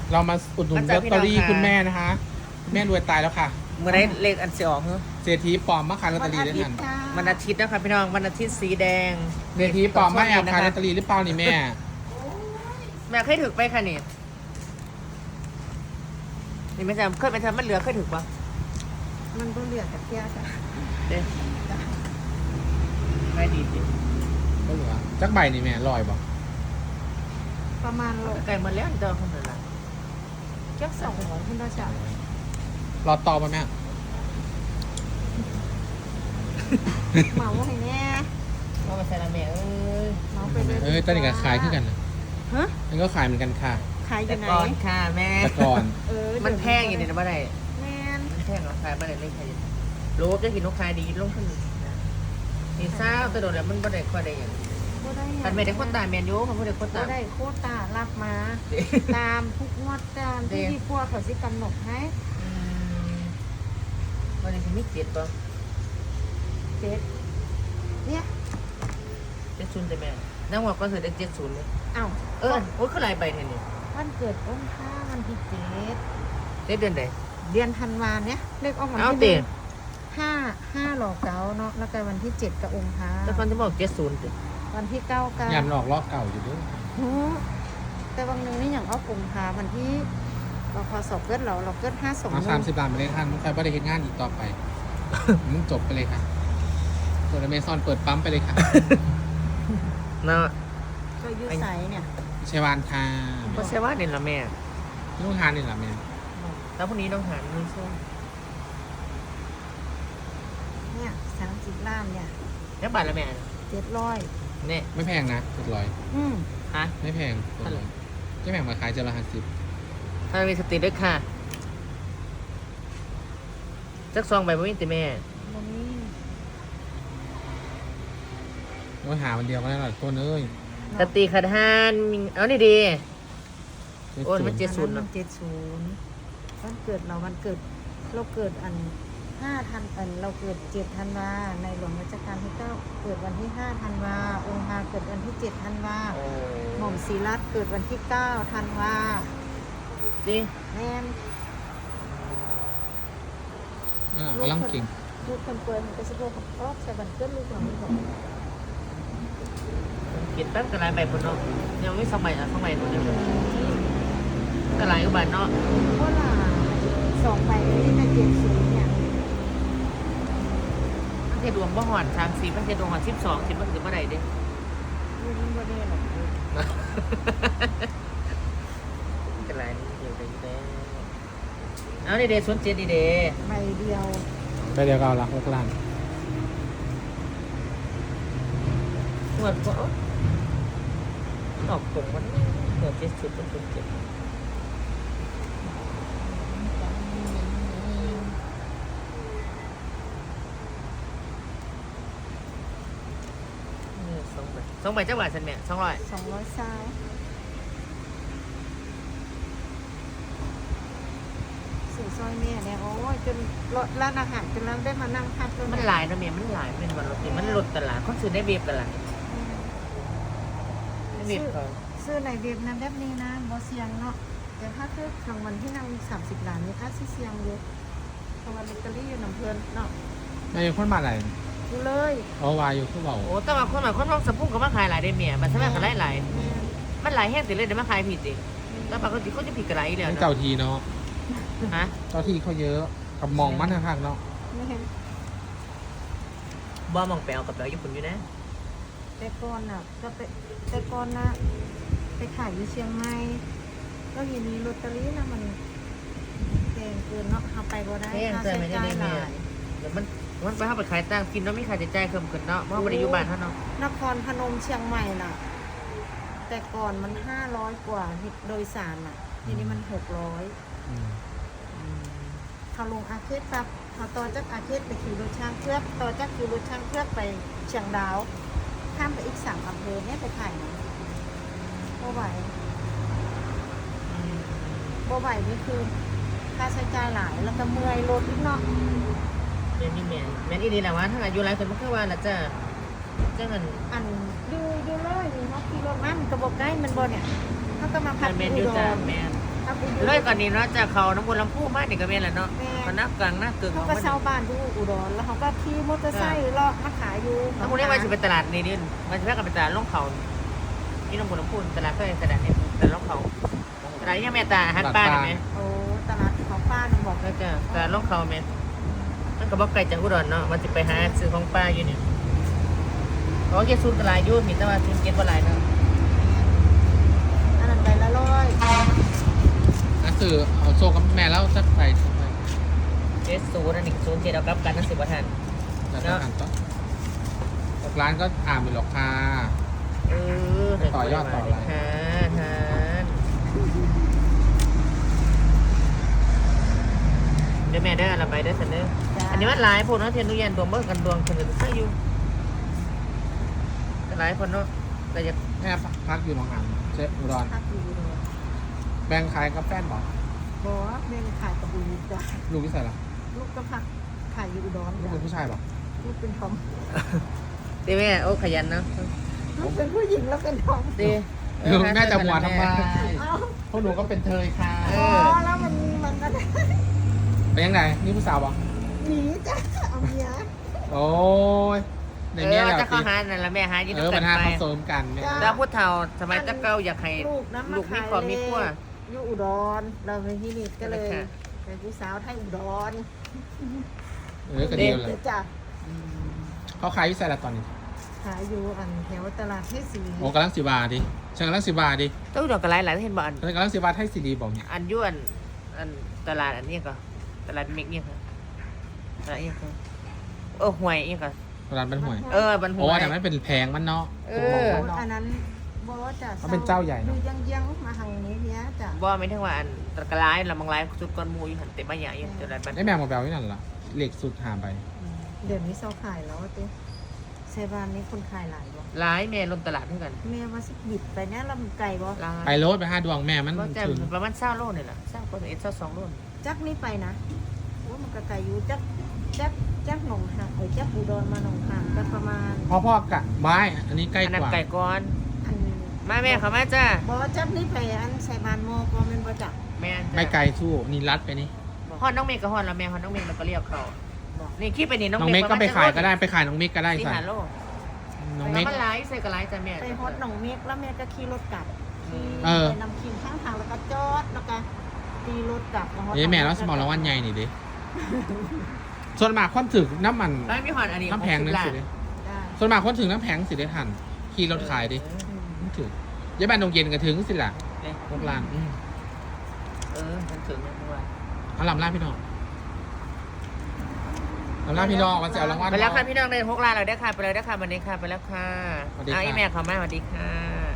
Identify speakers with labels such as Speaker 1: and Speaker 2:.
Speaker 1: เรามาอุดหนุนลอตเตอรี่คุณแม่นะคะคุณแม่รวยตายแล้วค่ะ
Speaker 2: เมื่อได้เลขอันเสียออกเหรอ
Speaker 1: เศรษฐีปลอมมาขายลอตเตอรี่ด้วยกัน
Speaker 2: วันอาทิตย์นะคะพี่น้องวันอาทิตย์สีแดง
Speaker 1: เศรษฐีปลอมมาแอบขายลอตเตอรี่หรือเปล่านี่แม่
Speaker 2: แม่เคยถึกไปค่ะนี่นี่ไม่ใช่เคยไปทำมันเหลือเคยถึกปะ
Speaker 3: มันต้องเลือกกับเที่ยวจ้ะ
Speaker 2: เด้ไม่ดีสิ
Speaker 1: ก็เหลือจักใบนี่แม่ลอยบอก
Speaker 3: ประมาณโล
Speaker 2: ไก่หมดแล้วเดินคนเดียวละ
Speaker 3: เจ้า200ขึ้นได้จ้ะ
Speaker 1: รอต่อป่ะแม่
Speaker 3: เหมาให้แน่
Speaker 2: ว่ามาใส่ละแม่เอ้ย
Speaker 3: เหมาไปเลย
Speaker 1: ตอนนี้ก็ขายขึ้นกันนะ
Speaker 3: ฮะ
Speaker 1: มันก็ขายเหมือนกันค่ะ
Speaker 3: ขายอ
Speaker 2: แต่
Speaker 3: ยู่ไหน
Speaker 2: ก่อนค่ะแม่
Speaker 1: แต่ก่อน
Speaker 2: มันแพงอยู่ในนั้นบ่ได้
Speaker 3: แม่น
Speaker 2: มันแพงราคาบ่ได้เลยค่ะรู้จะกินลูกค้าดีลงขึ้นนี่ซ่าตัวโดดแล้วมันบ่ได้ค่อยได้อย่าง
Speaker 3: บ่ได้
Speaker 2: มันไม่ได้คนตายแมนยูมันบ่ได้คน
Speaker 3: บ่
Speaker 2: ตาย
Speaker 3: ได้โควต้ารับมา ตามทุกงวดตามที่ที่พวกเขาสิกำหนดให้
Speaker 2: วันนี้มีเจ็ดป่ะ
Speaker 3: เจ็ดเนี่ย
Speaker 2: เจ็ดศูนย์แต่แม่นั่งว่าก็คือได้70เลย
Speaker 3: เอ้า
Speaker 2: โอ้ยคือหลายใบแท้นี่
Speaker 3: วันเกิดอ้นค่าวันที่เจ็ด
Speaker 2: ได้เดือนใด
Speaker 3: เดือนธันวาเนี่ยเลขออกวัน
Speaker 2: เอา
Speaker 3: ที่
Speaker 2: เตะ
Speaker 3: ห้าหลอกเก้าเนาะแล้วก็วันที่7กับองค์พระ
Speaker 2: แต่คนที่บอก70ติ
Speaker 3: วันที่9กัน
Speaker 1: ยามหลอกลอกเก่าอยู่ด้วย
Speaker 3: แต่บางนึงนี่อย่างเอาองค์พระวันที่เราพอสอบเกิดเราเกิด5
Speaker 1: เอา30 ล้านมาเลยท่านใครไม่ได้เห็นงานอีกต่อไป มึงจบไปเลยค่ะเปิดอเมซอนเปิดปั๊มไปเลยค่ะ
Speaker 2: เนาะ
Speaker 3: ก็ยืดใสเนี่ย
Speaker 1: เชวานค่ะ
Speaker 2: บ่ใช่ว่าเนี่ยละแม่
Speaker 1: ลูกทานนี่แหละแม่
Speaker 2: แล้วพรุ่งนี้ต้องหาเงินช่วย
Speaker 3: เนี่ย30 ล้านเนี่ย
Speaker 2: แล้วบาทละแม่
Speaker 3: 700
Speaker 2: เนี่ย
Speaker 1: ไม่แพงนะ700
Speaker 2: ฮะ
Speaker 1: ไม่แพง700ไม่แพงมาขายเจละ50
Speaker 2: ถ้ามีสติด้วยค่ะจักซองใบบ่มีแต่แม่
Speaker 3: บ่มี
Speaker 1: โอ้ยหาวันเดียวก็ได้หลายคนเอ้ย
Speaker 2: สติขัดหานเอานี่ดี โอ้ยมัน
Speaker 1: เจ็ด
Speaker 2: 70
Speaker 3: อันนั้น
Speaker 2: เนาะ
Speaker 3: 70วันเกิดเราวันเกิดเราเกิดอัน5ธันเราเกิด7ธันวาในหลวงรัชกาลที่9เกิดวันที่5ธันวาองค์พระเกิดวันที่7ธันวาหม่อมศรีรัตน์เกิดวันที่9ธันวา
Speaker 2: ดิ
Speaker 3: แม่น
Speaker 1: กำลังเก่ง
Speaker 3: ลูกคนเปิดมันก็สิบ่ออกใส่บันเกิดลูกเราไม่บอก
Speaker 2: กินแป๊บก็หลายใบพุ่นเนาะยังไม่2ใบอ่ะ2ใบพุ่นเดียวก็หลายกว่าบาทเนาะ
Speaker 3: เพราะว่า2ใบที่ใน70เนี่ย
Speaker 2: มันจะดวงบ่หอน30มันจะดวงหอน12คิดว่าสิบ่ได้เด้
Speaker 3: ลูกมันบ่ได้หรอก
Speaker 2: ก็หลายนี่เดียวได้อยู่แล้วเอานี่เด้07นี่เด้
Speaker 3: ใบเดียว
Speaker 1: ไปเดียวก็เอาละ6 ล้าน
Speaker 2: หมดก็ออกตรงวันเกิด70เป็น072ใบจักบาทซั่นแม่200
Speaker 3: 200ซาวสื่อซอยแม่เนี่ยโอ้ยจนร้านอาหารจนเราได้มานั่งพัก
Speaker 2: มันหลายนะเมียมันหลายเป็นวันรถนี่มันลดตลาดคนซื้อได้เบียบกันหลายได้เบียบเขา
Speaker 3: ซื้อในเว็บนั้นแบบนี้นะบ่เสียงเนาะแต่ถ้าคือรางวัลที่นั่ง30 ล้านนี่ถ้าสิเสียงเยอะรางวัลลอตเตอรี่อยู่น้ำเพลินเนาะ
Speaker 1: นายคนมาไหน
Speaker 3: อยู่เลย
Speaker 1: เอาวายอยู่คือเบา
Speaker 2: โอ้แต่ว่าคนท้องสะพุ่งก็มาขายหลายได้เมียบัตรสมัครก็หลาย
Speaker 3: แม่
Speaker 2: มันหลายแห้งติเลยเดี๋ยวมาขายผิดจริงแล้วปกติเขาจะผิดกันหลายแล้ว
Speaker 1: เจ้า
Speaker 2: เนาะ
Speaker 1: ทีเนาะ
Speaker 2: ฮะ
Speaker 1: เจ้าทีเขาเยอะกับมองมันข้างๆเนาะ
Speaker 3: แม่
Speaker 2: บ่มองแปลกับแปลญี่ปุ่นอยู่นะ
Speaker 3: แต่ก่อนน่ะก็ไปแต่ก่อนนะไปขายอยู่เชียงใหม่ก็ทีนี้ลอตเตอรี่นะมันแพงเกินเนาะเอาไปบ่ได้
Speaker 2: แห้ง
Speaker 3: ค่า
Speaker 2: เจอ
Speaker 3: ใช้
Speaker 2: ไม่ได้
Speaker 3: จ่าย
Speaker 2: เลย
Speaker 3: ห
Speaker 2: เมีย
Speaker 3: ลาย
Speaker 2: เดี๋ยวมันไปเข้าไปขายตั้งกินแล้วไม่ขายจะจ่ายเพิ่มขึ้นเนาะเพราะบริยุบานเท่าเนาะ
Speaker 3: นครพนมเชียงใหม่น่ะ แต่ก่อนมัน500 กว่าโดยสารน่ะ ทีนี้มัน600
Speaker 1: อืม
Speaker 3: เขาลงอาเขตปั๊บเขาต่อจากอาเขตไปขี่รถช่างเครือกต่อจากขี่รถช่างเครือกไปเชียงดาว ข้ามไปอีก3 อำเภอเนี่ยไปขายนะบ่ไหวบ่ไหวนี่คือค่าใช้จ่ายหลายแล้วก็เมื่อยรถอีกเนาะ
Speaker 2: เดี๋ยวนี้แมนอีนี่แหละว่าถ้าอายุหลายคนมันคือว่าละจ้าเงิน
Speaker 3: อันดูเลยนี่เนาะขี่รถมามันก็บ่ใกล้มันบ่เนี่ยเขาก็มาพัก
Speaker 2: แมน
Speaker 3: อุ
Speaker 2: ยู
Speaker 3: ด
Speaker 2: จ้าร แมน
Speaker 3: เขา
Speaker 2: เลยก่อนนี้เนาะจากเขาน้ำบนลำพูมากนี่ก็เป็นแหละเนาะมันนักกลางนักเกิน
Speaker 3: เขา
Speaker 2: ของ
Speaker 3: ก็
Speaker 2: มัน
Speaker 3: เช่าบ้านอยู่อุดรแล้วเขาก็ขี่มอเตอร์ไซค์เลาะมาขายอยู่
Speaker 2: น้ำบนนี้มันจะเป็นตลาดนี่ดิมันจะแค่กับเป็นตลาดล่องเขาที่น้ำบนลำพูตลาดเพื่อตลาดนี่ตลาดล่องเขาตลาดนี่แม่ตาฮันป้าเห็นไหม
Speaker 3: โอ้ตลาดของป้าน้องบอก
Speaker 2: ก็จะตลาดล่องเขาแม่มันก็บอกไกลจากอุดรเนาะมันจะไปหาซื้อของป้าอยู่เนี่ยเขาแค่ซูนตลาดยุ่นมีแต่ว่าซูนเก็ตว่าไรเนาะ
Speaker 3: อันนั้นไปละ100
Speaker 1: นั่นคือเอาโซ่กับแม่แล้วสักไปสักไป
Speaker 2: เจสซูนั่นนี่ซูนเจ็ดเอากับกันนั่นสิบวันทัน
Speaker 1: แล้วก็หันต่อร้านก็อ่านไปหรอกค่ะ ต่อยอดต่ออะไร
Speaker 2: ฮะเดี๋ยวแม่ได้อะไรไปได้สันเด้ออันนี้มันหลายพวกเนาะเทียนนุยันดวงเบิ้งกันดวงคนอื่นใช่อยู่หลายคนเนาะแต่อยาก
Speaker 1: แม่พักอยู่หนองหานเชฟอุดร
Speaker 3: พักอยู่อุดร
Speaker 1: แบ่งขายกับแฟนบอก
Speaker 3: บอกว่าแม่ขายกับบุรีจ้ะ
Speaker 1: ลูกที่ใส่ละ
Speaker 3: ลูกก็พักขายอยู่อุดร
Speaker 1: ลูก
Speaker 3: จ้ะ
Speaker 1: เป็นผู้ชายบอก
Speaker 3: ลูกเป็นทอม
Speaker 2: ตีแม่โอ้ขยันเนาะ
Speaker 3: ลูกเป็นผู้หญิงแล้วเป็นทอม
Speaker 2: ตี
Speaker 1: แม่จะหัวทำไม
Speaker 3: เอ้า
Speaker 1: พวกหนูก็เป็นเธอค่ะ
Speaker 3: อ๋อแล้วมันก็
Speaker 1: เป็นยังไงนี่ผู้สาวบอก
Speaker 3: หนีจ้ะเอาเมีย
Speaker 1: โอ้ยในเนี้ยแหละ
Speaker 2: จะเข้าหานั่นละแม่หายืน
Speaker 1: ปั
Speaker 2: กั
Speaker 1: ญ
Speaker 2: น
Speaker 1: หา
Speaker 2: ไป
Speaker 1: เขาเสริมกันเนี่ย
Speaker 2: แล้วพูดเท่าสมัยตะเก้าอยากให้
Speaker 3: ลูกนะ
Speaker 2: ลูกมีความมีขั้ว
Speaker 3: อยู่อุดรเราไปที่นี่ก็เลย
Speaker 2: ค่ะ
Speaker 3: เป็นผู้สาวไทยอุดร
Speaker 1: ก็ดีเลย
Speaker 3: เดี๋ยวจ้ะ
Speaker 1: เขาขายที่ใส่ละตอนนี้
Speaker 3: ขายอยู่อันแถวตลาดเทศศรี
Speaker 1: โอ้กำลังสิบาทดิฉันกำลังสิบาทดิ
Speaker 2: ต้องดอกกระไรหลายเห็นบ่อัน
Speaker 1: ฉันกำลังสิบาทให้ซีดีบอกเนี่ย
Speaker 2: อันยวนอันตลาดอันนี้ก็ตลาดเมกเนี่ยค่ะตลาดเนี่ยค่ะห่วยเนี่ยค่ะ
Speaker 1: ร้านเป็นห่วย
Speaker 2: บันห่
Speaker 1: โอ้
Speaker 2: วย
Speaker 1: แต่มันเป็นแพงมันเนาะ
Speaker 3: อันนั้นบอกว่าจะ
Speaker 1: เขาเป็นเจ้าใหญ่
Speaker 3: อ
Speaker 1: เนอะ
Speaker 3: ยู่ยังมาทางนี้เนี้ยจ้ะ
Speaker 2: บ่ไม่ถึงว่าอันตะกร้ายละมังไลสุดก้อนมูอยู่หันเต็มมาใหญ่ตลาดบัน
Speaker 1: ได้แมวมาแบลนี่นั่นล่ะเหล็กสุดหาไป
Speaker 3: เดี๋ยวนี้เซาขายแล้วตุ๊เซบานนี้คนขายหลายบ่
Speaker 2: หลายแม่ลงตลาดเท่ากัน
Speaker 3: แม่ว่าสิบิดไปเนี่ยลำไก่บ่
Speaker 2: หลาย
Speaker 1: ไปโรดไป5 ดวงแม่มัน
Speaker 2: ก็จะ
Speaker 1: ถึง
Speaker 2: ประมาณ20 โลนี่แหละ20 คน20 2 โล
Speaker 3: จักนี่ไปนะว่ามันก็ไก่อยู่จักหนองหางจักอุดรมาหนองหางก็ประมาณ
Speaker 1: พ่อกะไม้อันนี้ใกล้
Speaker 2: อัน
Speaker 1: ก
Speaker 2: นั้น
Speaker 1: ว่า
Speaker 2: ไก่ก้อน
Speaker 3: อัน
Speaker 2: มาแม่เขามาจ้า
Speaker 3: บ่จักนี่ไปอันใส่บานโมก็แม่นบ่จัก
Speaker 2: แม่
Speaker 1: ไม่ไกลสู้นี่รัดไปนี่
Speaker 2: ฮอดน้องเมฆกับฮอดแล้วแม่ฮอดน้องเมฆแล้วก็เรียกเขานี่คิดไปนี่น้อง
Speaker 1: น้อง
Speaker 2: เม
Speaker 1: เม
Speaker 2: ฆ
Speaker 1: กก็ไปขายก็ได้ไปขายน้องเมกก็ได้
Speaker 2: ที่
Speaker 1: ใส่
Speaker 2: หาโล
Speaker 1: น้อง
Speaker 2: แล้
Speaker 1: เม
Speaker 2: ว
Speaker 1: ก
Speaker 2: มันไลฟ์ใส่กับไลฟ์จ้ะแม่
Speaker 3: ไปฮอดหนองเมฆแล้วแม่ก็ขี่รถกลับขี่
Speaker 1: เออ
Speaker 3: ไปนำขี่ข้างทางแล้วก็จอดแล้วก็ตีรถกลับมาฮอด
Speaker 1: แม่แล้วสมองรางวัลใหญ่นี่ดิส่วนมากคนถึงน้ำมัน
Speaker 2: แล้วมีฮอดอันนี้
Speaker 1: น้ำแพงนึงสิดิ
Speaker 3: จ้ะ
Speaker 1: ส่วนมากคนถึงน้ำแพงสิได้ทันขี่รถขายดิไม่ถึงยายบ้านดงเย็นก็ถึงสิล่ะพวกร้าน
Speaker 2: มันถึงยังไง
Speaker 1: เอาลำล่าพี่น้องลำล่าพี่น้องวันเสาร์รางวัล
Speaker 2: ไปแล้วค่ะพี่น้องเลย6 ล้านเราได้ค่ะไปเลยได้ค่ะวันนี้ค่ะไปแล้วค่ะ
Speaker 1: สวัสดีค่ะ
Speaker 2: เอาอีแม่เขามาสวัสดีค่ะ